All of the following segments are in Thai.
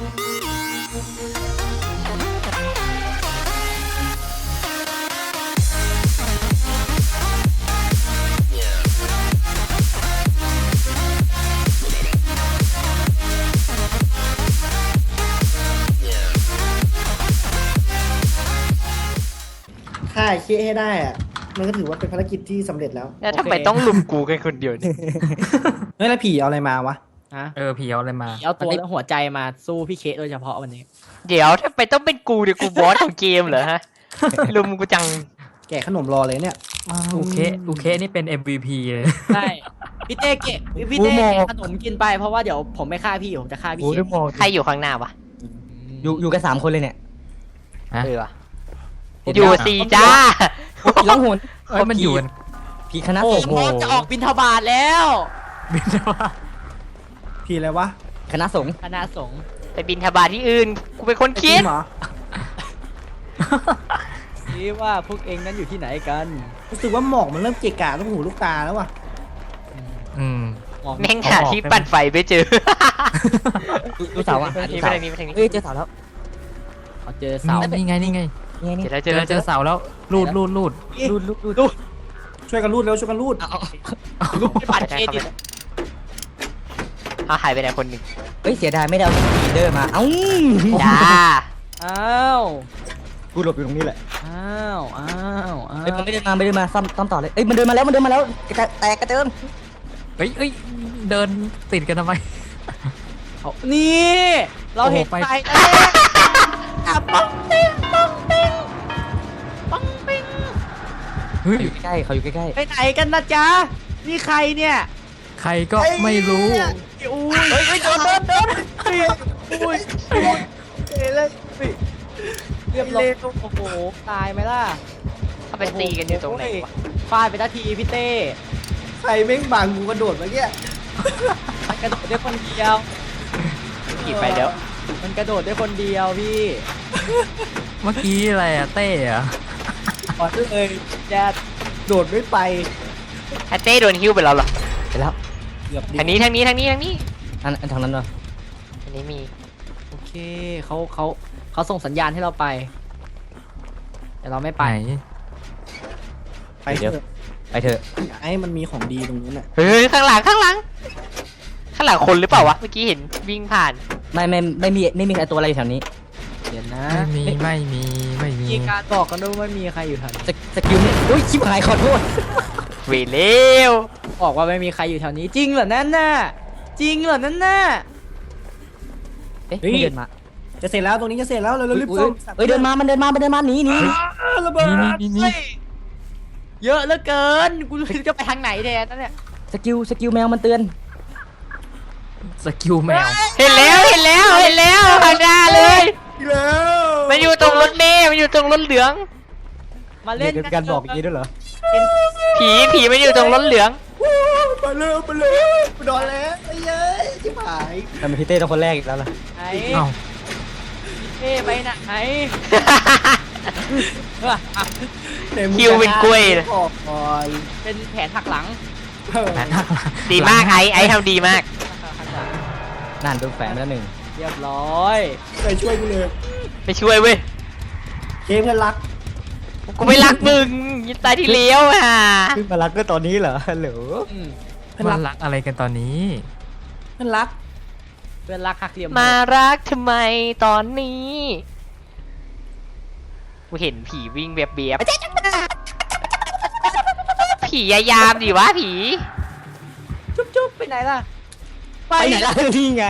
ฆ่าไอ้เคี้ยให้ได้อะมันก็ถือว่าเป็นภารกิจที่สำเร็จแล้วแล้วทำไมต้องลุมกูกันคนเดียวเนี่ยเฮ้ยแล้วผีเอาอะไรมาวะฮะผีเอาอะไรมาเอาตัวและหัวใจมาสู้พี่เคสโดยเฉพาะวันนี้เดี๋ยวทำไมต้องเป็นกูเดี๋ยวกูบอสของเกมเหรอฮะ ลุมกูจังแกะขนมรอเลยเนี่ยโอเคนี่เป็น MVP เลยใช่พี่เต้เกะพี่เต้เกะขนมกินไปเพราะว่าเดี๋ยวผมไม่ฆ่าพี่ผมจะฆ่าพี่โอ้เคได้สมองใครอยู่ข้างหน้าวะอยู่กัน3 คนเลยเนี่ยเออวะอยู่สี่จ้าผีล่องหนเอ้ยมันอยู่กันผีคณะโอ้สงฆ์โหจะออกบิณฑบาตแล้วบินว่าผีอะไรวะคณะสงฆ์คณะสงฆ์ไปบินทบาทที่อื่น กูเป็นคนคิดเหรอคิดว่าพวกเองนั้นอยู่ที่ไหนกันรู้สึกว่าหมอกมันเริ่มเกะกะลูกหูลูกตาแล้วว่ะมองแม่งหาที่ปั่นไฟไม่เจอดูเสาอ่ะนี่ไปทางนี้ไปทางนี้เอ้ยเจอเสาแล้วเขาเจอเสานี่ไงนี่ไงเจอแล้วเจอแล้วเจอเสาแล้วรูดรูดช่วยกันรูดแล้วช่วยกันรูดลูกบัตรเครดิตเขาหายไปไหนคนหนึ่งเอ้ยเสียดายไม่ได้เอาลีดเดอร์มาเอ้าจ้าอ้าวกูหลบอยู่ตรงนี้แหละอ้าวอ้าวอ้าวเอ้ยมันไม่เดินมาซ่อมต่อเลยเอ้ยมันเดินมาแล้วแตกกระเจิงเฮ้ยเดินติดกันทำไมเอานี่เราเห็นโอ้โหไปไฟแล้วอ่ะปังปิ้งปังปิ้งปังปิ้งเฮ้ยอยู่ใกล้เขาอยู่ใกล้ไปไหนกันนะจ๊ะนี่ใครเนี่ยใครก็ไม่รู้อุ้ยเฮ้ยโดนอุ้ยเลยเรียบร้อยโอ้โหตายไหมล่ะเขาไปตีกันอยู่ตรงไหนวะฟาดไปทันทีพี่เต้ใครแม่งบังกูกระโดดเมื่อกี้มันกระโดดได้คนเดียวกี่ไปเดี๋ยวมันกระโดดได้คนเดียวพี่เมื่อกี้อะไรอะเต้อะขอเลยแจ๊ดโดดไม่ไปไอ้เต้โดนฮิ้วไปแล้วเหรอๆไปแล้วเกือบดิทางนี้ทางนี้ทางนี้ทางนี้อันทางนั้นเหรออันนี้มีโอเคเขาส่งสัญญาณให้เราไป แต่เราไม่ไปไปไปเถอะไปเถอะไอ้มันมีของดีตรงนู้นน่ะเฮ้ยข้างหลังข้างหลังคนหรือเปล่าวะเมื่อกี้เห็นวิ่งผ่านไม่มีใครตัวอะไรอยู่แถวนี้เดี๋ยวนะไม่มีมีการบอกกันด้วยว่าไม่มีใครอยู่แถวนี้สกิลนี่อุ้ยชิบหายขอโทษเวเร็วบอกว่าไม่มีใครอยู่แถวนี้จริงเหรอนั่นน่ะจริงเหรอนั่นน่ะเอ๊ะไม่เดินมาจะเสร็จแล้วตรงนี้จะเสร็จแล้วเรารีบซ่อมเอ้ยเดินมามันเดินมาหนีระเบิดนี่เยอะเหลือเกินกูไม่รู้จะไปทางไหนแทนนั่นเนี่ยสกิลแมวมันเตือนสกิลแมวเห็นแล้วข้างหน้าเลยอีกแล้วมันอยู่ตรงรถเมล์มันอยู่ตรงรถเหลืองมาเล่นการบอกอย่างนี้ด้วยเหรอผีมันอยู่ตรงรถเหลืองไปเลยไปนอนแล้วไอ้เย้ยชิบหายทำไมพี่เต้ต้องคนแรกอีกแล้วล่ะไหนเอ้าเท่ไปไหนคิวเป็นกล้วยเลยออกก่อนเป็นแผนหักหลังดีมากไอ้ทำดีมากนั่นโดนแฝงไปแล้วหนึ่งเรียบร้อยไปช่วยกูเลยไปช่วยเว้ยเคเพื่อนรักกูไม่รักมึงยินตายที่เลี้ยวอ่ะขึ้นมารักก็ตอนนี้เหรอฮัลโหลเพื่อนมัรันกรักอะไรกันตอนนี้เพื่อนรักเพื่อนรักหักเหลี่ยมมารักทำไมตอนนี้กูเห็นผีวิ่งเบียบผียายามดิวะผีจุ๊บไปไหนล่ะไปไหนล่ะนี่ไง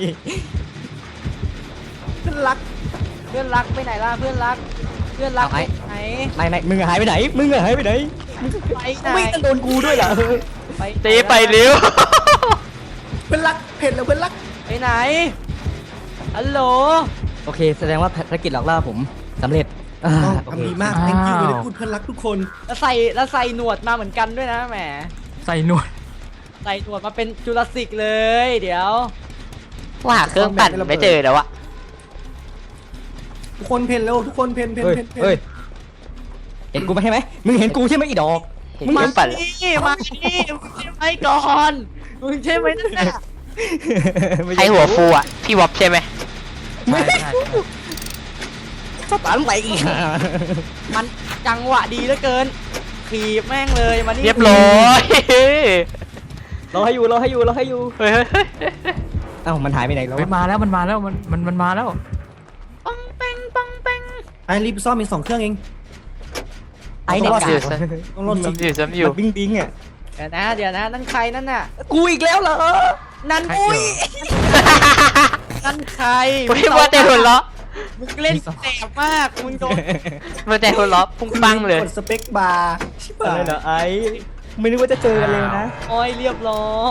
เพื่อนรักเพื่อนรักไปไหนล่ะเพื่อนรักไปไหนไม่มึงหายไปไหนมึงหายไปไหนไปไหนไม่ต้องโดนกูด้วยเหรอเต้ไปเร็วเพื่อนรักเผ็ดแล้วเพื่อนรักไปไหนฮัลโหลโอเคแสดงว่าภารกิจหลอกล่าผมสำเร็จทำดีมาก thank you เลยพูดเพื่อนรักทุกคนแล้วใส่หนวดมาเหมือนกันด้วยนะแหมใส่หนวดใส่หนวดมาเป็นจุลศิษย์เลย เดี๋ยวว่าหาเครื่องปั่นไม่เจอแล้วอะทุกคนเพ่นเร็วทุกคนเพ่นเฮ้ยเห็นกูไหมใช่ไหมมึงเห็นกูใช่ไหมอีดอกเห็นเครื่องปั่นแล้วนี่มานี่มึงใช่ไหมก่อนมึงใช่ไหมนั่นน่ะใครหัวฟูอ่ะพี่วอบใช่ไหมใช่ใช่สตาร์ทไปอีกมันจังหวะดีเหลือเกินขีบแม่งเลยมานี่เรียบร้อยเราให้อยู่เราให้อยู่เราให้อยู่เฮ้ยเอ้ามันหายไปไหนแล้วเฮ้ยมาแล้วมันมาแล้วมันมาแล้วปังเป้งปังเป้งไอ้รีบซ่อมมี2 เครื่องเองไอ้เด็กต้องรอดกาสิกต้องรอดสิซ้ำอยู่มันบิ้งบิ้งอ่ะเดี๋ยวนะนั่นใครนั่นน่ะกูอีกแล้วเหรอนั่นใครอุ้ยเดี๋ยวนั่นใครเฮ้ยว่าแต่หัวเราะมึงเล่นแสบมากมึงโดนว่าแต่หัวเราะพุ่งปังเลยกดสเปคบาร์ชิบอะไรหายเหรอไอ้ไม่นึกว่าจะเจอกันเลยนะโอ้ยเรียบร้อย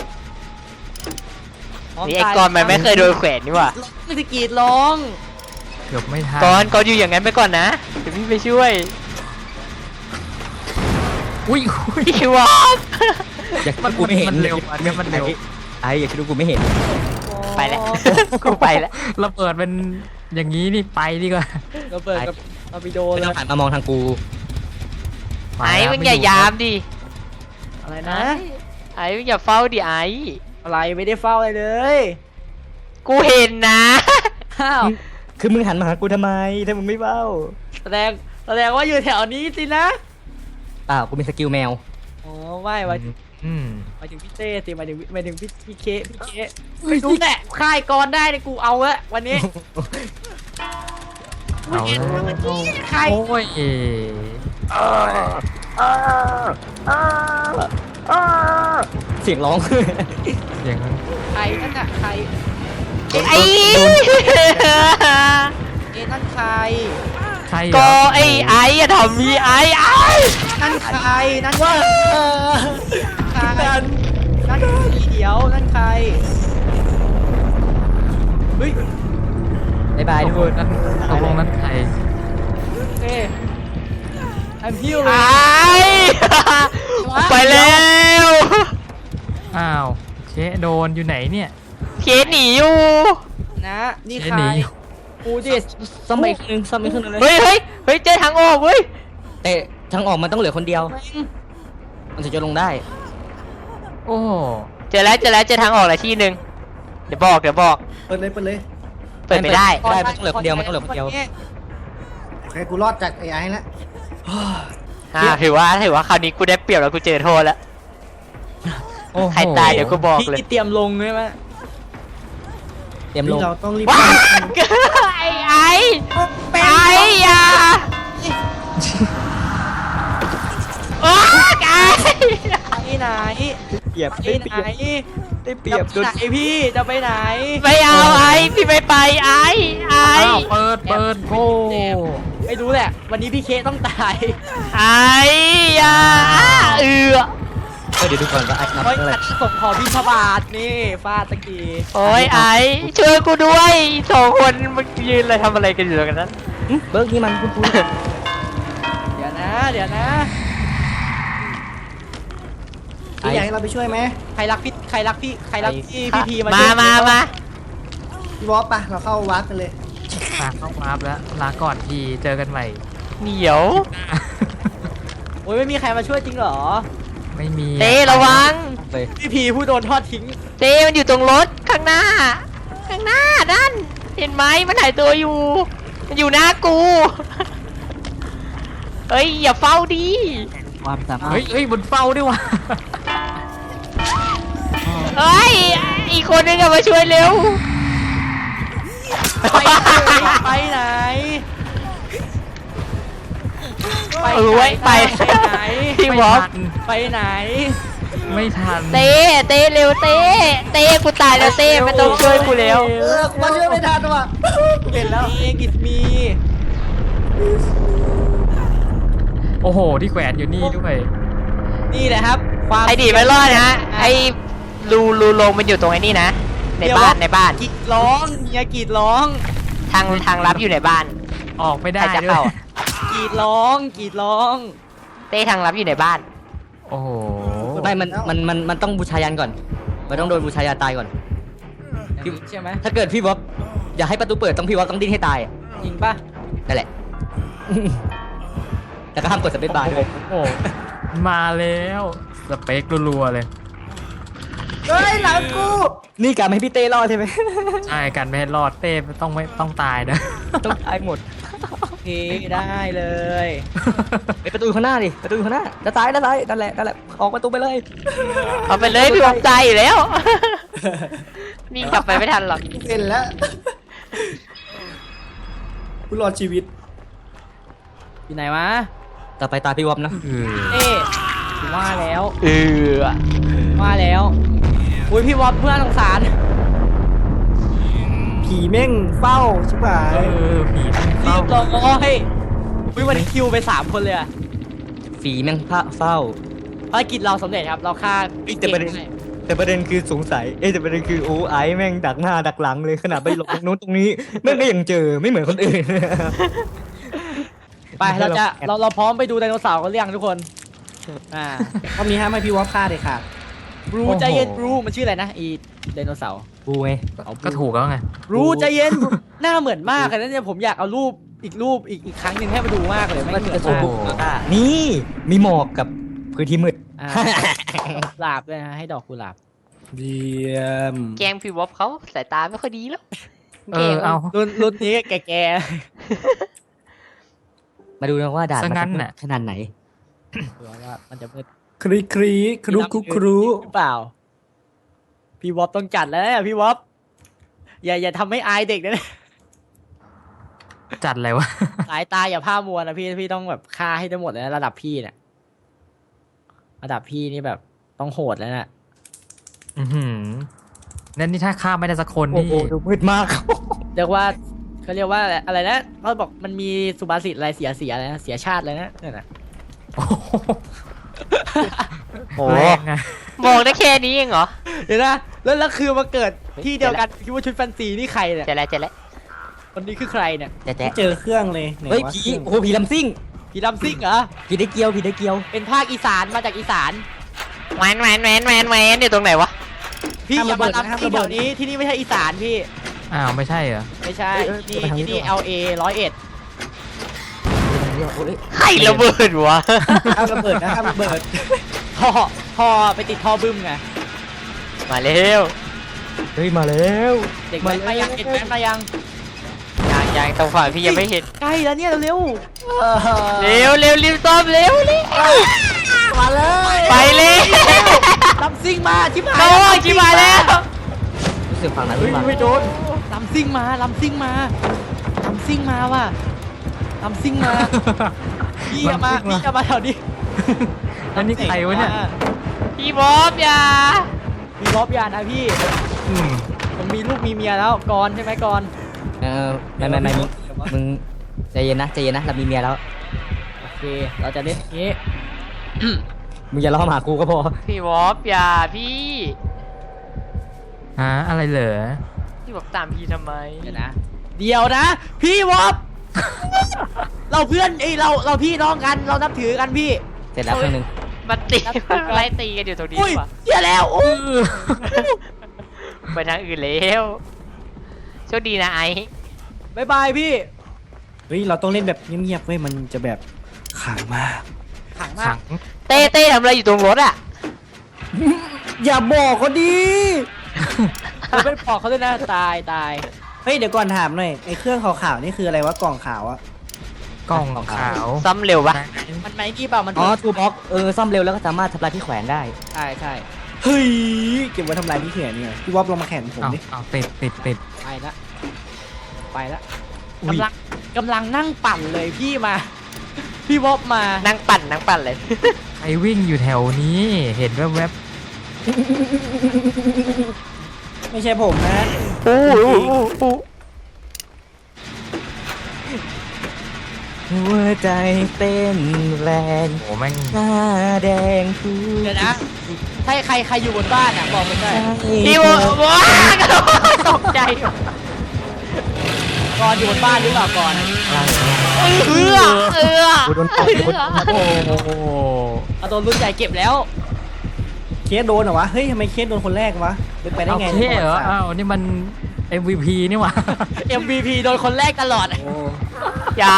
นี่ไอ้กอนมันไม่เคยโดนแขวนนี่หว่าไม่ได้กรีดร้องเกือบไม่ทันกอนอยู่อย่างนั้นไปก่อนนะเดี๋ยวพี่ไปช่วยอุ้ยพี่วอฟอยากคิดว่ากูไม่เห็นมันเร็วอันนี้มันเร็วไอ้อยากคิดว่ากูไม่เห็นไปแล้วกูไปแล้วระเบิดเป็นอย่างนี้นี่ไปดีกว่าเราเปิดกับเราไปโดนไม่เลต้อย งหันมามองทางกูไอ้มึงอย่ายามดิอะไรนะไอ้มึงอย่าเฝ้าดิไอ้อะไรไม่ได้เฝ้าอะไรเลยกูเห็นนะอ้าวคือมึงหันมาหากูทำไมถ้ามึงไม่เบ้าแสดงว่าอยู่แถวนี้สินะเปล่ากูมีสกิลแมวอ๋อไม่หมายอืมถึงพี่เต้สิหมายถึงพี่เคไม่รู้แหละค่ายกรได้เลยกูเอาละวันนี้เอาแล้วค่ายโอ้ยเสียงร้องเสียงใครนั่นน่ะใครไอ้นั่นใครใครเหรก็อไอ้อย่าทำมีไอ้นั่นใครนั่นว่าใครนั่นสีเขียวนั่นใครเฮ้ยบ๊ายบายทุกคนนั้นตกลงนั้นใครเอ้I'm here ไอ้เลยไปแล้วอ้าวเคโดนอยู่ไหนเนี่ยเคสหนีอยู่นะนี่เคใครหนีกูดิซ่อมไปอีกนึงซ่อมไปครึ่งนึงเลยเฮ้ยเจอทางออกเว้ยแต่ทางออกมันต้องเหลือคนเดียว มันถึงจะลงได้โอ้เจอแล้วเจอทางออกแล้วที่หนึ่งเดี๋ยวบอกเปิดเลยเปิดไม่ได้ไม่ได้มันต้องเหลือคนเดียวมันต้องเหลือคนเดียวโอเคกูรอดจากไอ้ไอ้แล้วถือว่าคราวนี้กูได้เปรียบแล้วกูเจอโทษแล้วโอ้โหใครตายเดี๋ยวกูบอกเลยพี่เตรียมลงใช่ไหมเตรียมลนี่งเราต้องรีบว้าไอ้อย่าโอ้ไอ้ไปไหนเปรียบไปไหนได้เปรียบจะไปไหนพี่จะไปไหนไม่เอาไอ้พี่ไม่ไปไอ้อ้าวเปิดโอ้ไม่รู้แหละ วันนี้พี่เคต้องตายไอ้อย่าเดี๋ยวดูก่อนว่าไอ้นับโอ้ยเท่าไหร่ส่งขอพิชบาทนี่ฟาดตะกี้โอ้ยไอ้ช่วยกูด้วยสองคนมันยืนอะไรทำอะไรกันอยู่ตรงนั้นเบิร์กนี่มันคุณเดี๋ยวนะพี่อยากให้เราไปช่วยไหมใครรักพี่พี่พีมามาช่วยมาพี่วอฟปะเราเข้าวาร์ปกันเลยมาเข้าวาร์ปแล้วลาก่อนทีเจอกันใหม่เหนียวโอ้ยไม่มีใครมาช่วยจริงเหรอไม่มีเต้ระวังเลยพี่พีผู้โดนทอดทิ้งเต้มันอยู่ตรงรถข้างหน้านั่นเห็นไหมมันหายตัวอยู่ มันอยู่หน้ากูเฮ้ยอย่าเฝ้าดิความสามารถเฮ้ยบนเฝ้าด้วยวะเฮ้ยอีกคนนึงอะมาช่วยเร็วไปไหนไว้ไปไหนพี่วอฟไปไหนไม่ทันเต้เร็วเต้กูตายแล้วเต้ไม่ต้องช่วยกูแล้วกูมาช่วยไม่ทันว่ะเห็นแล้วกิสมีโอ้โหที่แขวนอยู่นี่ด้วยนี่แหละครับ ความไอ้ดีไม่รอดนะไอ้รูลงมันอยู่ตรงไอ้นี่นะ ในบ้านกรีดร้องเมียกรีดร้องทางลับอยู่ในบ้านออกไม่ได้ใครจะด้วยเข้ากรีดร้องกรีดร้องเต้ทางลับอยู่ในบ้านโอ้โหไม่มันต้องบูชายันก่อน มันต้องโดนบูชายันตายก่อนใช่ไหมถ้าเกิดพี่วอฟอยากให้ประตูเปิดต้องพี่วอฟต้องดิ้นให้ตายอะจริงป่ะนั่นแหละ แต่ก็ห้ามกดสเปซบาร์ด้วยโอ้โหมาแล้วสเปครัวๆเลยเฮ้ยหลังกูนี่การไม่ให้พี่เต้รอดใช่ไหมใช่กันไม่ให้รอดเต้ไม่ต้องตายนะต้องตายหมดโอเคได้เลยไปประตูข้างหน้าดิประตูข้างหน้าจะตายนั่นแหละออกประตูไปเลยเอาไปเลยพี่ผมตายอยู่แล้ววิ่งกลับไปไม่ทันหรอกเป็นแล้วกูรอดชีวิตอยู่ไหนวะต่อไปตาพี่วอมนะเอ๊ะว่าแล้วเออว่าแล้วอุ้ยพี่วอปเพื่อนสงสารผีแม่งเฝ้าชิบหายผีรีเฝ้าบร้อยอุ้ยวันนี้คิวไป3 คนเลยอะฝีแม่งเฝ้าภารกิจเราสำเร็จครับเราฆ่าแต่ประเด็น แต่ประเด็นคือสงสัยแต่ประเด็นคือไอ้แม่งดักหน้าดักหลังเลยขนาดไปหลบตรงนู้นตรงนี้แม่งก็ยังเจอไม่เหมือนคนอื่นไปเราพร้อมไปดูไดโนเสาร์กันหรือยังทุกคนก็มีห้ามให้พี่วอฟฆ่าเลยค่ะบรูใจเย็นบรูมันชื่ออะไรนะอีไดโนเสาร์กูไงก็ถูกแล้วไงบรูใจเย็นหน้าเหมือนมากเลยนะเนี่ยผมอยากเอารูปอีกครั้งหนึ่งให้มาดูมากเลยไม่เหมือนโอ้โหนี่มีหมอกกับพื้นที่มืดกุหลาบด้วยนะให้ดอกกุหลาบเยี่ยมแกล้งพี่วอฟเขาสายตาไม่ค่อยดีแล้วเอารุ่นนี้แก่มาดูนะว่าด่านซะงั้นมัน่ะขนาดไหนๆว่ามันจะมืดครีครีครุคุครูหรือเปล่า พี่วอปต้องจัดแล้วเนี่ยพี่วอปอย่าทำให้อายเด็กนะจัดอะไรวะสายตาอย่าผ้ามัวนะพี่ต้องแบบฆ่าให้ได้หมดเลยนะระดับพี่เนี่ยระดับพี่นี่แบบต้องโหดแล้วน่ะนั่นนี่ถ้าฆ่าไม่ได้สักคนโอ้นี่โหดูมืดมากเรียกว่าเขาเรียกว่าอะไรนะเขาบอกมันมีสุภาษิตอะไรเสียอะไรนะเสียชาติเลยนะเนี่ยนะโอ้โหโอ้แรงไงบอกได้แค่นี้เองเหรอเดี๋ยวนะแล้วคือมาเกิดที่เดียวกันคิดว่าชุดแฟนซีนี่ใครเนี่ยเจ๊แล้วคนนี้คือใครเนี่ยแจ๊ะเจอเครื่องเลยไหนเฮ้ยวะผีโอ้โหผีลำซิ่งพี่ดำซิ่งเหรอผีได้เกียวผีได้เกียวเป็นภาคอีสานมาจากอีสานแหวนอยู่ตรงไหนวะพี่อย่ามาทำที่แถวนี้ที่นี่ไม่ใช่อีสานพี่อ้าวไม่ใช่เหรอไม่ใช่ที่นี่ LA 101 ใครระเบิดวะห้ามระเบิดนะห้ามระเบิดท่อไปติดท่อบึ้มไงมาเร็วเฮ้ยมาแล้วเด็กแว้นมายังเด็กแว้นมายังยังตรงฝั่งพี่ยังไม่เห็นใกล้แล้วเนี่ยเร็วรีบซ่อมเร็วมาเลยไปเลยลำซิ่งมาชิบหายโอ้ยชิบหายแล้วรู้สึกฝั่งนั้นหรือเปล่าไม่โดนลำซิ่งมาว่ะลำซิ่งมาพี่จะมาแถวนี้แล้วนี่ใครวะเนี่ยพี่บอสอย่ามีรอบยานะพี่อืมผมมีลูกมีเมียแล้วกรใช่ไหมกรไม่มึงใจเย็นนะเรามีเมียแล้วโอเคเราจะเล่นอย่างนี้มึงอย่าล้อมาหากูก็พอพี่บอสอย่าพี่ฮะอะไรเหรอพี่บอกตามพี่ทำไมเดี๋ยวนะพี่วอบ เราเพื่อนเราพี่น้องกันเรานับถือกันพี่เสร็จแล้วเครื่องนึงมาตีไล่ตีกันอยู่ตรงนี้อุ้ยว่ะเสียแล้วอุ้ยไปทางอื่นแล้วโชคดีนะไอ้บายบายพี่เฮ้ยเราต้องเล่นแบบเงียบๆเว้ยมันจะแบบขลังมากขังมาขักงเต้ทำอะไรอยู่ตรงรถอ่ะอย่าบอกเขาดิเราไม่บอกเขาด้วยนะตายเฮ้ยเดี๋ยวก่อนถามหน่อยไอ้เครื่องขาวๆนี่คืออะไรวะกล่องขาวอะกล้องขาวซ้ำเร็วปะมันไหมนี่เปล่ามันอ๋อทูบ็อกซ่อมเร็วแล้วก็สามารถทำลายที่แขวนได้ใช่เฮ้ยเก็บไว้ทำลายที่เขียนเนี่ยพี่วอฟลองมาแข่งผมเอาดิเอาติดไปละกำลังนั่งปั่นเลยพี่มา พี่วอบมานั่งปั่นเลยไอวิ่งอยู่แถวนี้ เห็นแวบไม่ใช่ผมนะหัวใจเต้นแรงๆโอ้แม่งหน้าแดงทุกเดี๋ยวนะถ้าใครอยู่บนบ้านอ่ะบอกมันได้พี่ว้ากระโดดตกใจกรอยู่บนบ้านหรือเปล่าก่อนเอื้อกูโดนตบกูโดนตบโอ้โหเอาตัวรุ่นใหญ่เก็บแล้วเคสโดนเหรอวะเฮ้ยทำไมเคสโดนคนแรกวะเป็นไปได้เอาไงเท่เหรอในประวัติศาสตร์อ้าวนี่มัน MVP นี่หว่า MVP โดนคนแรกตลอดโอ้อย่า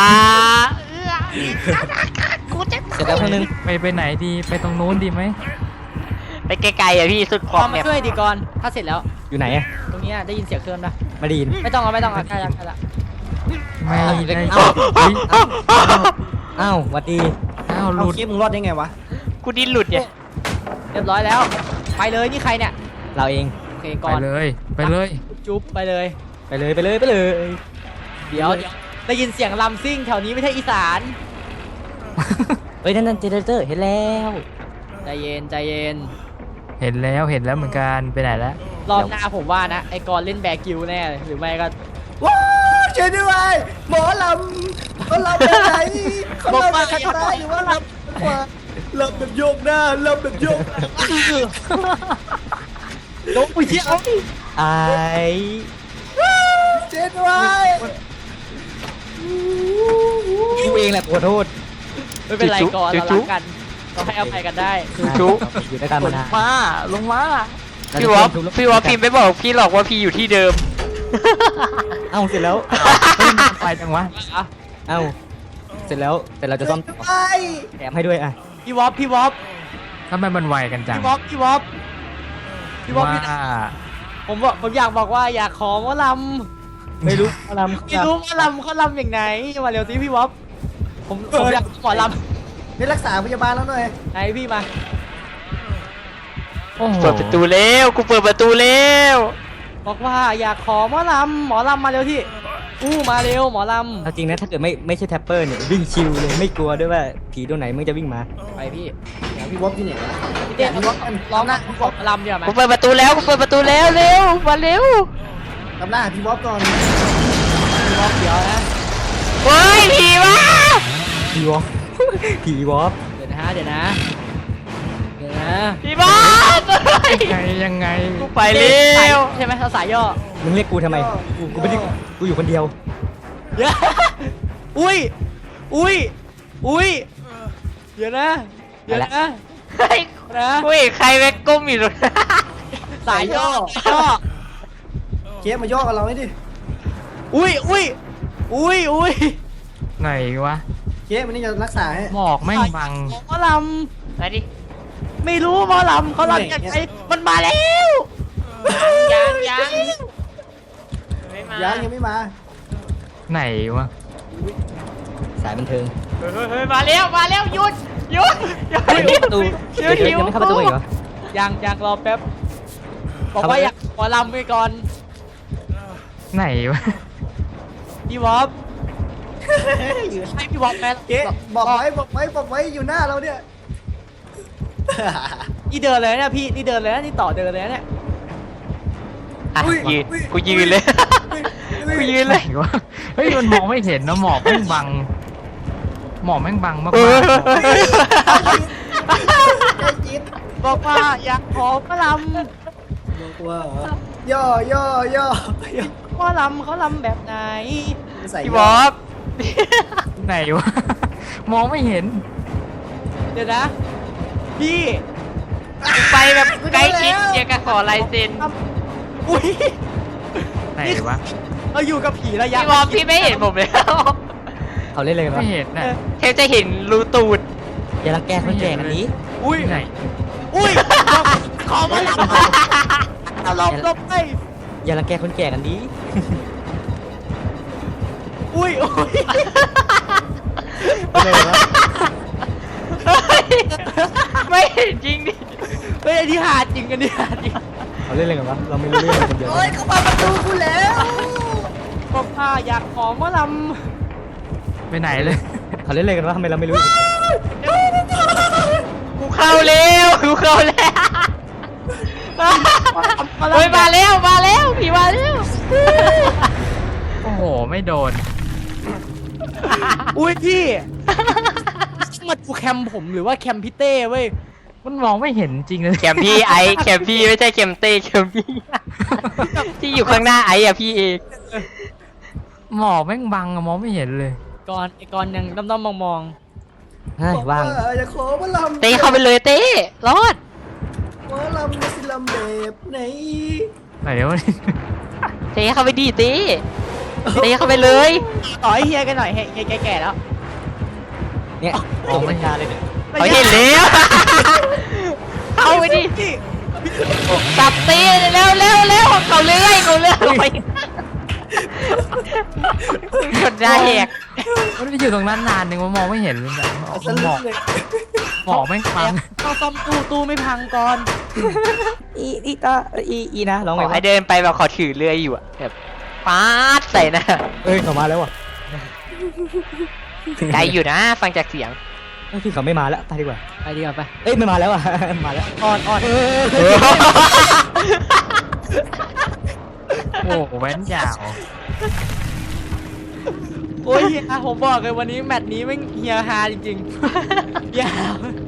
กูจะเสร็จแล้วเครื่องนึงไปไหนดีไปตรงนู้นดีไหมไปไกลๆอ่ะพี่สุดขก่ออบ นแมมาปช่วยดิก่อนถ้าเสร็จแล้วอยู่ไหนอะตรงเนี้ยได้ยินเสียงเครื่องนะมาดีนไม่ต้องใกล้ละใกล้ละไม่ได้เอ้าเฮ้ยอ้าวหวัดดีอ้าวหเอาลุดคลิปมึงรอดได้ไงวะกูดิ้นหลุดเนี่ยเรียบร้อยแล้ว ไปเลยนี่ใครเนี่ยเราเองโอเคไปก่อนเลยไปเลยจุ๊บไปเลยไปเลยไปเลยไปเลยเดี๋ยวได้ยินเสียงลำซิ่งแถวนี้ไม่ใช่อีสานเฮ้ยนั่นเจเนเรเตอร์เห็นแล้วใจเย็นใจเย็นเห็นแล้วเหมือนกันไปไหนแล้วรอบหน้าผมว่านะไอ้กอนเล่นแบกิวแน่เลยหรือไม่ก็ว้าวช่วยด้วยหมอลำเขาลำไปไหนเขาลำไปข้างใต้หรือว่าลำขวาลำแบบโยกหน้าลำแบบโยกหลังลงไปเที่ยวไอ้ช่วยด้วยกูเองแหละขอโทษไม่เป็นไรก่อนเรารักกันเราให้อภัยกันได้จุ๊บอยู่ด้วยกันมานานมาลงมาพี่วอฟพิมพ์ไม่บอกพี่หรอกว่าพี่อยู่ที่เดิมเอ้าเสร็จแล้วไปจังวะเอ้าเสร็จแล้วแต่เราจะซ่อมต่อไปแถมให้ด้วยอ่ะพี่วอฟพี่วอฟทำไมมันไวกันจังพี่วอฟพี่วอฟพี่วอฟว่าพี่ผมอยากบอกว่าอยากขอหมอลไม่รู้อารมำไม่รู้หมอลำเขาลำอย่างไหนมาเร็วสิพี่วอฟผมอยากหมอลนี่รักษาพยาบาลแล้วหน่อยำไหนพี่มาโอ้โหเปิดประตูแล้วกูเปิดประตูแล้วบอกว่าอยากขอหมอลำมาเร็วที่มาเร็วหมอลเอาจริงนะถ้าเกิดไม่ใช่แท็ปเปอร์เนี่ยวิ่งชิวเลยไม่กลัวด้วยว่าผีตัวไหนมึงจะวิ่งมาำไปพี่เดี๋ยวพี่วอฟที่ไหนวะพี่เต้ร้องนะหมอลำเดี๋ยวไหมกูเปิดประตูแล้วกูเปิดประตูแล้วเร็วมาเร็วตำล่าพี่วอฟก่อนพี่วอฟเดี๋ยวนะเฮ้ยผีวะผีวอฟ ผีวอฟเดี๋ยวนะเดี๋ยวนะเดี๋ยวนะผีบ้าเฮ้ยยังไงกูไปเร็วใช่ไหมเราสายย่อมึงเรียกกูทำไมกูไม่ได้กูอยู่คนเดียวเดี๋ยวอุ้ยเดี๋ยวนะเดี๋ยวนะเฮ้ยนะกูเห็นใครแม่งก้มอยู่ตรงนั้นสายย่อเคสมาย่อกับเราให้ดิอุ้ยไหนวะเคสมันนี่จะรักษาให้หมอกแม่งบังหมอลมาดิำไม่รู้หมอลำเขาลำยังไงมันมาแล้วยังไม่มายังไม่มาไหนวะสายบันเทิงเฮ้ยมาแล้วหยุดประตูเดี๋ยวยังไม่เข้าประตูอีกเหรอยังรอแป๊บบอกว่าอยากหมอลำไปก่อนไหนวะพี่วอฟให้พี่วอฟแม่เคสบอกไว้อยู่หน้าเราเนี่ยนี่เดินเลยนะพี่นี่เดินเลยนะนี่ต่อเดินเลยนะเนี่ยอ่ะอุ้ยยืนอุ้ยกูยืนเลย กูยืนไหเลนยวะเฮ้ยมันมองไม่เห็นนะหมอกแม่งบังหมอกแม่งบังมากเออไอ้จิ๊ดบอกว่าอยากขอหมอลบอกว่าย่อำหมอลำเขาลำแบบไหนใส่พี่บอสไหนวะมองไม่เห็นเดี๋ยวนะพี่ไปแบบใกล้ชิดเดียวกับขอลายเซ็นอุ้ยไหนวะเราอยู่กับผีระยะพี่บอสพี่ไม่เห็นผมเลยเขาเล่นอะไรกันวะไม่เห็นน่ะแค่จะเห็นรูตูดอย่ารังแกคนแก่กันนี้อุ้ยไหนอุ้ยขอหมอลำเอาลบไปอย่ารังแกคนแก่กันนี้อุ้ยไม่เห็นจริงดิเฮ้ยไอ้ที่หาจริงกันเนี่ยจริงเขาเล่นอะไรกันวะเราไม่รู้เรื่องกันคนเดียวโอ้ยเขามาประตูกูแล้วบอกว่าอยากขอหมอลไปไหนเลยเขาเล่นอะไรกันวะทำไมเราไม่รู้กูเข้าแล้วเฮ้ยมาแล้วผีมาแล้วโอ้โหไม่โดนำอุ้ยพี่มาดูแคมผมหรือว่าแคมพี่เต้เว้ยมันมองไม่เห็นจริงเลยแคมพี่ไอแคมพี่ไม่ใช่แคมเต้แคมพี่ที่อยู่ข้างหน้าไออะพี่เองหมอกแม่งบังอะมองไม่เห็นเลยก่อนไอ้ก่อนยังด้อมๆมองเฮ้ยว่างอย่าขอมาลำเต้เข้าไปเลยเต้รอดมาลำมาสิลำแบบไหนไหนวะเต้เข้าไปดิเต้เข้าไปเลยๆต่อให้เฮียกันหน่อยเฮียแก่ๆแล้วเนี่ยมองไม่ชัดเลยเนี่ยเขาเห็นแล้วเอาไปดิสับตีเร็วเร็วเร็วเขาเลื่อยไปกดได้แหกมันไปอยู่ตรงนั้นนานนึงมันมองไม่เห็นเลยแบบหมอกเลยหมอกแม่งฟังต้องซ่อมตู้ไม่พังก่อนอีนะร้องขไงอวะให้เดินไปแบบขอถือเลื่อยอยู่อะแบบปาดใส่หนะเอ้ยเขามาแล้วว่ะไกลอยู่นะ ฟังจากเสียงเอ้ยพี่เขาไม่มาแล้วไปดีกว่าไปดีกว่าไปเอ้ยไม่มาแล้วอ่ะ มาแล้วอ่อนโอ้โหแว้นยาวโอ้ยเฮียผมบอกเลยวันนี้แมตช์นี้แม่งเฮียฮาจริงๆเฮีย